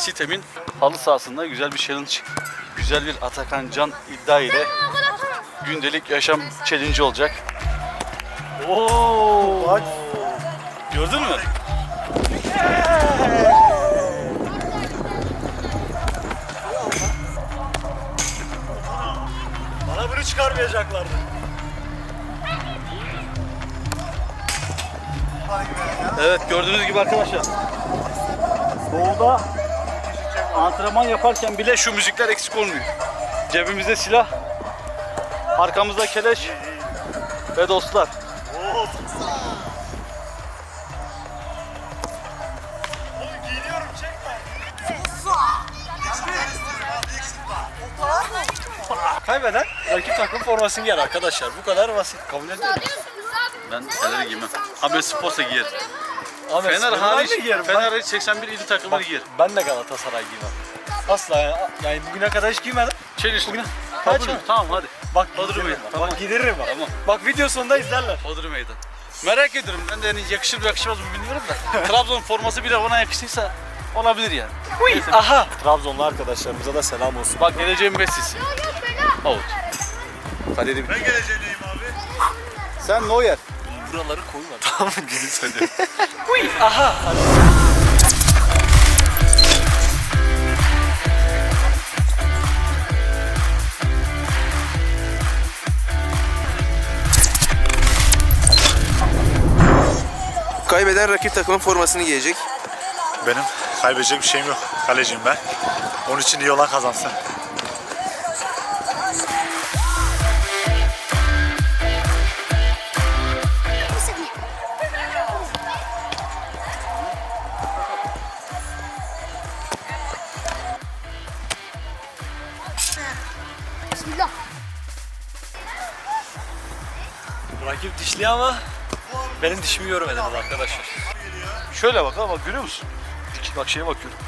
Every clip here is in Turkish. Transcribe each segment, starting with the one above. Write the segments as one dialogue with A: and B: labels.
A: Sitem'in halı sahasında güzel bir challenge. Güzel bir Atakan Can iddia ile gündelik yaşam challenge olacak. Oo!
B: Bak.
A: Gördün mü?
B: Bana bunu çıkarmayacaklardı.
A: Evet, gördüğünüz gibi arkadaşlar. Doğuda antrenman yaparken bile şu müzikler eksik olmuyor. Cebimizde silah, arkamızda keleş ve dostlar.
B: Giyiniyorum, çekme. Kaybeden rakip takım formasını giyer arkadaşlar. Bu kadar basit. Kabul ediyorum.
A: Ben Fener'i giymem. Abi sporsa giyerim.
B: Abi,
A: Fener
B: ben
A: hariç,
B: de giyerim.
A: Fener hariç 81 il takımları giyer.
B: Ben de Galatasaray giymem. Asla yani bugüne kadar hiç giymedim.
A: Çeliştim.
B: Bugüne
A: Kabul
B: kaç
A: mü? Tamam hadi.
B: Bak
A: Hodri
B: giydiririm
A: meydan.
B: bak.
A: Tamam.
B: Bak giydiririm bak.
A: Tamam.
B: Bak video sonunda izlerler.
A: Hodri meydan. Merak ediyorum. Ben de yani yakışır mı yakışmaz mı bilmiyorum da. Trabzon forması bile bana yakıştıysa olabilir yani.
B: Uy, aha. Trabzonlu arkadaşlarımıza da selam olsun.
A: Bak geleceğin Messi'si. Out. Kaderim.
C: Ben geleceğim abi.
A: Sen Neuer.
B: Buraları koyma. Tamam mı? Gülü söylüyorum. Uy, aha.
D: Kaybeden rakip takımın formasını giyecek.
C: Benim kaybedecek bir şeyim yok. Kaleciyim ben. Onun için iyi olan kazansın.
E: Bismillah.
B: Rakip dişli ama benim dişimi görmediniz arkadaşlar.
A: Şöyle bak ha, bak görüyor musun? Bak şeye bakıyorum.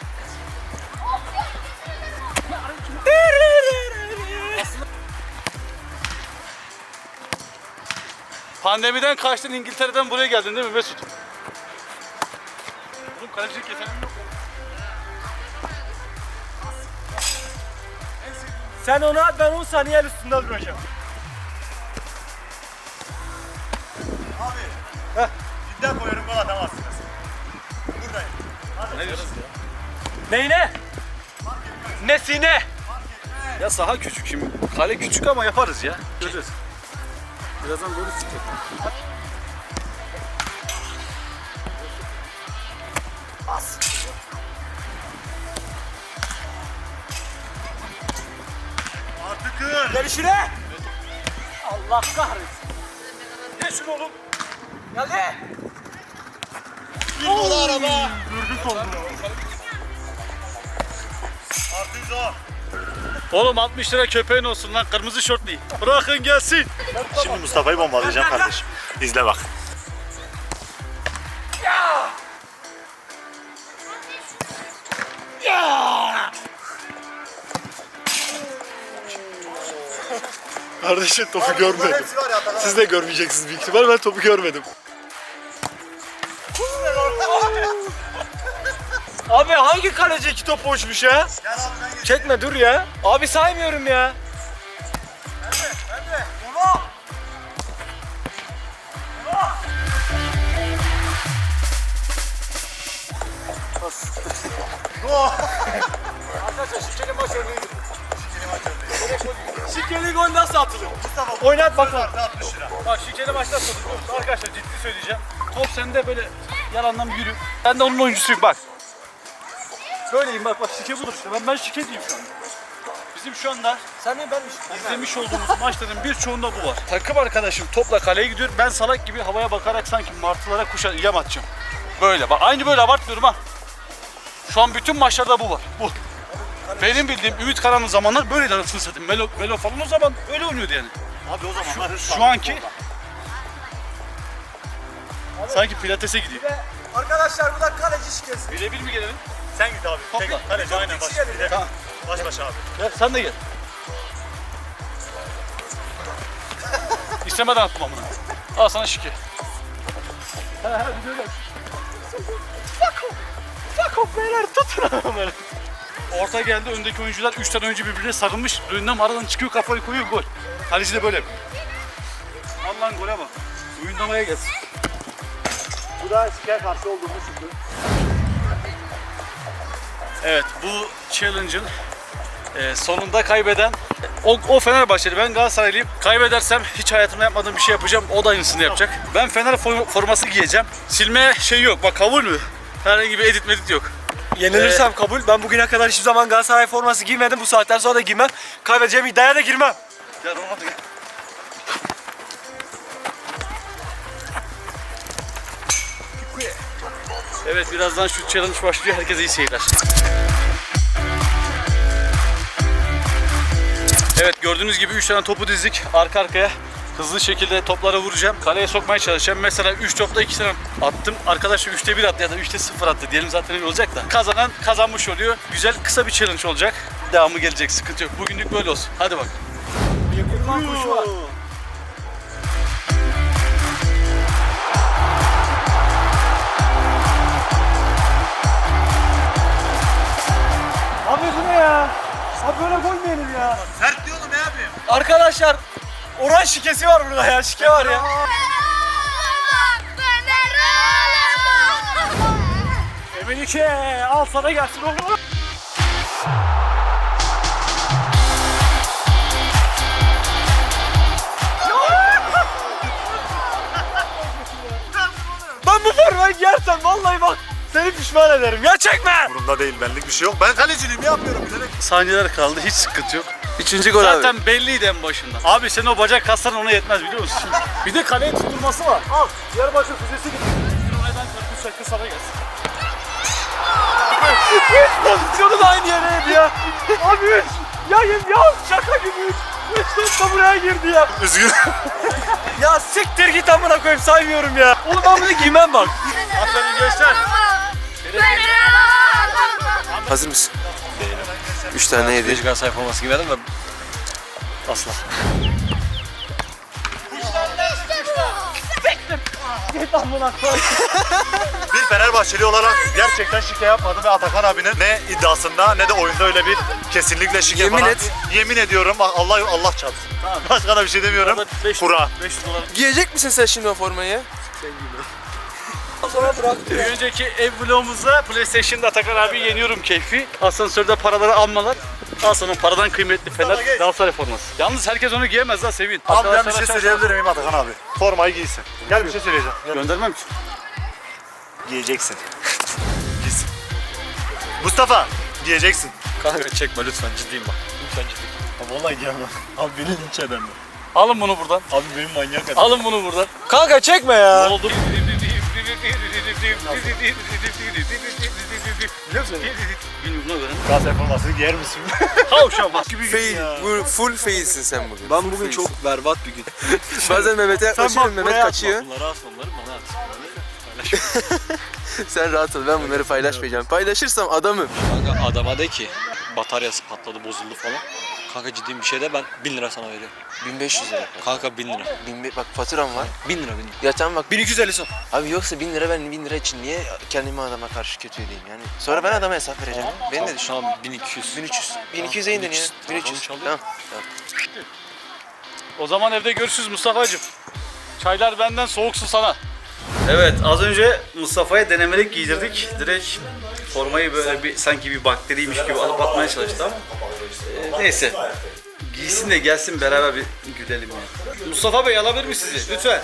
A: Pandemiden kaçtın, İngiltere'den buraya geldin değil mi Mesut? Oğlum kalecilik yeteneğim yok.
B: Sen onu at, ben 10 saniye el üstünde duracağım.
C: İddia koyuyorum, gol atamazsınız. Buradayım.
A: Ne diyorsun?
B: Neyine? Nesine?
A: Ya saha küçük şimdi. Kale küçük ama yaparız ya. Göreceğiz. Birazdan golü çıkacak.
C: Artık kır.
B: Gelişine! Allah kahretsin. Ne şunu oğlum? Geldi.
C: Bir gol araba. Artık o.
A: Oğlum 60 lira köpeğin olsun lan, kırmızı şortlu. Bırakın gelsin.
C: Şimdi Mustafa'yı bombalayacağım kardeşim. İzle bak. Kardeşim topu görmedim. Siz de görmeyeceksiniz büyük ihtimal. Ben topu görmedim.
B: Abi hangi kaleci iki top uçmuş ya? Çekme dur ya. Abi saymıyorum ya. Arkadaşlar şikenin baş örneği gibi. Şikeli gol nasıl atılır? Oynat bakalım.
C: 60 lira.
A: Bak şikeli maçta atılır. Arkadaşlar ciddi söyleyeceğim. Top sende, böyle yalandan yürü. Ben de onun oyuncusuyum bak. Böyleyim bak, şike budur işte. Ben şike diyeyim şu an. Bizim şu anda
B: Sen mi ben mi?
A: izlemiş olduğumuz maçların birçoğunda bu var. Takım arkadaşım topla kaleye gidiyor. Ben salak gibi havaya bakarak sanki martılara yem atacağım. Böyle bak, aynı böyle abartmıyorum ha. Şu an bütün maçlarda bu var. Bu. Benim bildiğim Ümit Karan'ın zamanlar böyleydi anasını satayım. Melo falan o zaman öyle oynuyordu yani.
C: Abi o zamanlar
A: Şu anki sanki pilatese gidiyor.
B: Arkadaşlar bu da kaleci şikesi.
A: Birebir mi gelelim?
C: sen git abi.
A: Topla.
C: Tek kaleci aynen baş.
A: Tamam.
C: Baş başa abi.
A: Gel sen de gel. İstemeden attım amına. Al sana şike. He he, bir de öyle. Fuck off.
B: Beyler tutun onları.
A: Orta geldi, öndeki oyuncular 3 tane oyuncu birbirine sarılmış. Önünden aradan çıkıyor, kafayı koyuyor, gol. Kaleci de böyle yapıyor. Allah'ın gole bak. Oyundamaya gelsin.
C: Bu da spiker karşı olduğumuz şükrü.
A: Evet, bu challenge'ın sonunda kaybeden o Fenerbahçeli, ben Galatasaraylıyım. Kaybedersem hiç hayatımda yapmadığım bir şey yapacağım. O da aynısını yapacak. Ben Fener forması giyeceğim. Silme şey yok. Bak kabul mü? Herhangi bir edit medit yok.
B: Yenilirsem kabul. Ben bugüne kadar hiçbir zaman Galatasaray forması giymedim. Bu saatten sonra da giymem. Kaybedeceğim iddiaya da girmem.
A: Gel Ronaldo gel. Evet, birazdan şu challenge başlıyor. Herkese iyi seyirler. Evet, gördüğünüz gibi 3 tane topu dizdik arka arkaya. Hızlı şekilde toplara vuracağım. Kaleye sokmaya çalışacağım. Mesela 3 topta 2 tane attım. Arkadaş 3'te 1 attı ya da 3'te 0 attı. Diyelim zaten öyle olacak da. Kazanan kazanmış oluyor. Güzel kısa bir challenge olacak. Devamı gelecek, sıkıntı yok. Bugünlük böyle olsun. Hadi bak.
B: Kurban kuşu var. Abi bu ne ya? Abi böyle gol mü yenir ya?
C: Sert diyorum ya abi.
B: Arkadaşlar oran şikesi var burada ya. Şike var ya.
A: Emelike al sana gelsin oğlum.
B: Ben bu formayı giyersem vallahi bak seni pişman ederim. Ya çekme.
C: Burunda değil, benlik bir şey yok. Ben kaleciliğimi yapıyorum bilerek.
A: Saniyeler kaldı, hiç sıkıntı yok.
D: 3. gol abi.
A: Zaten belliydi en başında. Abi senin o bacak kasların ona yetmez biliyor musun? Bir de kaleye tutturması var. Al. Diyarbakır füzesi gibi. Oradan karpuz şarkı sana gelsin.
B: Pozisyonu da aynı yere ya. Abi üç. Ya şaka gibi üç. Üç top da buraya girdi ya.
C: Üzgün.
B: Ya siktir git amına koyayım saymıyorum ya. Oğlum ben bunu giymem bak.
A: Aferin gençler.
D: Hazır mısın? 3 tane yedi.
B: Galatasaray forması giymedim de.
A: Asla.
B: Git amına koyayım.
C: Bir Fenerbahçeli olarak gerçekten şike yapmadım ve Atakan abinin ne iddiasında ne de oyunda öyle bir kesinlikle şike
D: Yemin
C: falan.
D: et.
C: Yemin ediyorum Allah çarpsın. Başka da bir şey demiyorum. Kura.
A: 500 dolar.
D: Giyecek misin sen şimdi o formayı?
B: Sonra bırak.
A: Bir önceki ev vlogumuzda PlayStation'da Atakan abi yeniyorum keyfi. Asansörde paraları almalar. Al sana paradan kıymetli Fener Galatasaray forması. Yalnız herkes onu giyemez lan Sevin.
C: Abi ben bir
A: Arkadaşlar
C: şey
A: aşağı-
C: söyleyebilir miyim Atakan abi? Formayı giysin. Gel bir şey söyleyeceğim. Gel.
A: Göndermem ki.
C: Giyeceksin. Giysin. Mustafa giyeceksin.
B: Kanka çekme lütfen ciddiyim bak. Lütfen ciddiyim.
C: Abi vallahi giyemem. Abi beni linç ederler.
A: Alın bunu buradan.
C: Abi benim manyak adam.
A: Alın bunu buradan.
B: Kanka çekme
A: Ne
B: ya.
A: oldu?
C: Biliyor musun?
A: Bilmiyorum buna göre.
C: Galatasaray formasını giyer misin?
A: Havşam bak gibi
D: Fail. Bu full failsin sen bugün.
B: Ben
D: Full
B: bugün
D: failsin.
B: çok berbat bir gün.
D: Bazen Mehmet'e kaçıyorum, Mehmet kaçıyor.
A: Bunları at, onları bana at.
D: Sen rahat ol, ben bunları paylaşmayacağım. Paylaşırsam adamım.
E: Kanka adama de ki bataryası patladı bozuldu falan. Kanka ciddi bir şey de ben 1000 lira sana veriyorum.
D: 1500 lira.
E: Kanka 1000 lira.
D: Bak faturam var.
E: 1000 lira 1000 lira.
D: Ya tamam bak.
B: 1250 son.
D: Abi yoksa 1000 lira, ben 1000 lira için niye kendimi adama karşı kötü edeyim yani. Sonra ben adama hesap vereceğim. Beni de düşün.
E: Tamam 1200.
D: 1300. 1200'e indin ya. 1300. Tamam.
A: O zaman evde görüşürüz Mustafa'cığım. Çaylar benden, soğuk su sana. Evet, az önce Mustafa'ya denemelik giydirdik. Direkt formayı böyle bir sanki bir bakteriymiş gibi alıp atmaya çalıştı ama neyse. Giysin de gelsin, beraber bir gülelim yani. Mustafa Bey alabilir mi sizi? Lütfen.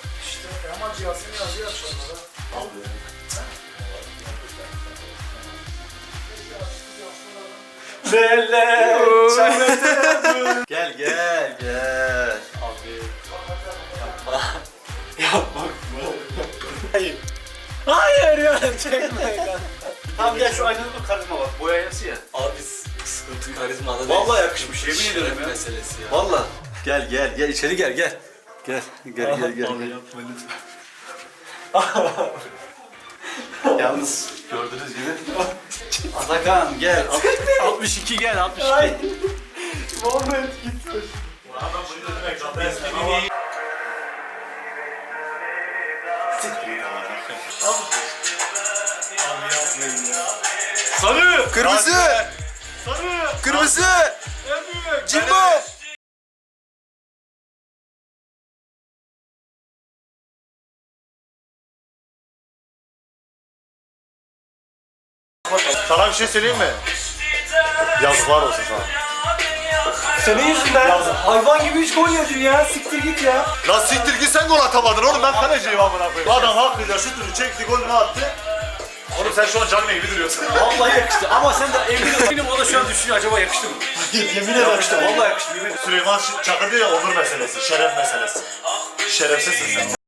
A: Gel gel gel. Abi.
B: Hayır ya çekme kanka.
A: Tamam gel şu aynanın karizma bak. Boyayası ya.
E: Abi sıkıntı karizmada değil.
A: Vallahi yakışmış, yemin ediyorum ya.
E: meselesi ya.
A: Vallahi. Gel gel gel içeri gel gel. Gel gel gel gel.
C: Abi yapma lütfen.
A: Yalnız gördüğünüz gibi. Atakan gel. 62 gel 62.
B: Muhammed gitti.
C: Adam bunu demek zaten. Abi yapmayın ya.
A: Sarı.
D: Kırmızı.
C: Sarı.
D: Kırmızı.
A: En büyük.
D: Jimbo.
C: Sana bir şey söyleyeyim mi? Yazıklar olsun sana.
B: Senin yüzünden hayvan gibi 3 gol yedin ya. Siktir git ya.
C: Lan siktir git sen gol atamadın oğlum, ben kaleciyim amına koyayım. Adam hakkıyla şutunu çekti, golünü attı. Oğlum sen şu an canlı gibi duruyorsun.
A: Vallahi yakıştı ama sen de eminim o da şu an düşünüyor acaba yakıştı mı?
C: Yemin ederim.
A: Yakıştı vallahi yakıştı yemin ederim.
C: Süleyman Çakır diyor ya, onur meselesi, şeref meselesi. Şerefsizsin sen.